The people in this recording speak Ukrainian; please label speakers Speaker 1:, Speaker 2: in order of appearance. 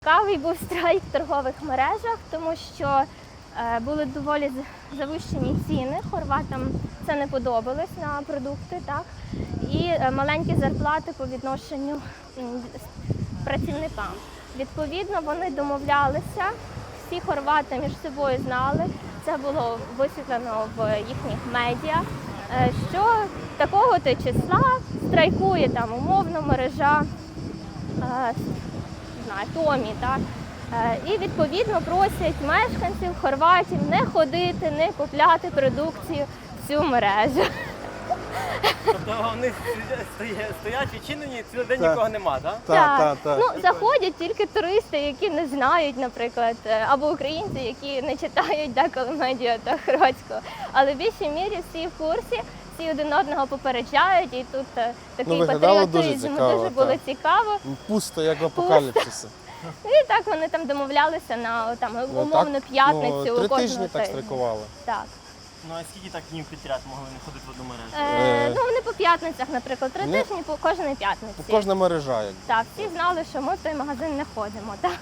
Speaker 1: Цікавий був страйк в торгових мережах, тому що були доволі завищені ціни, хорватам це не подобалось на продукти, так? І маленькі зарплати по відношенню працівникам. Відповідно, вони домовлялися, всі хорвати між собою знали, це було висвітлено в їхніх медіа, що такого-то числа страйкує там умовно мережа Томі, так? І відповідно просять мешканців Хорватів не ходити, не купляти продукцію в цю мережу.
Speaker 2: Тобто вони стоять відчинені, цілий день нікого нема, так?
Speaker 1: Так. Ну, заходять тільки туристи, які не знають, наприклад, або українці, які не читають деколи медіа та хорватського. Але в більшій мірі всі в курсі, всі один одного попереджають, і тут такий патріотизм, дуже було цікаво.
Speaker 3: Пусто, як в апокаліпсисі.
Speaker 1: І так вони там домовлялися на умовну п'ятницю.
Speaker 3: 3 тижні так страйкували.
Speaker 1: Так.
Speaker 2: Ну а скільки так днів підряд могли не ходити в одну мережу?
Speaker 1: Ну вони по п'ятницях, наприклад, 3 тижні по кожної п'ятниці.
Speaker 3: Кожна мережа. Якби.
Speaker 1: Так, всі знали, що ми в той магазин не ходимо. Так?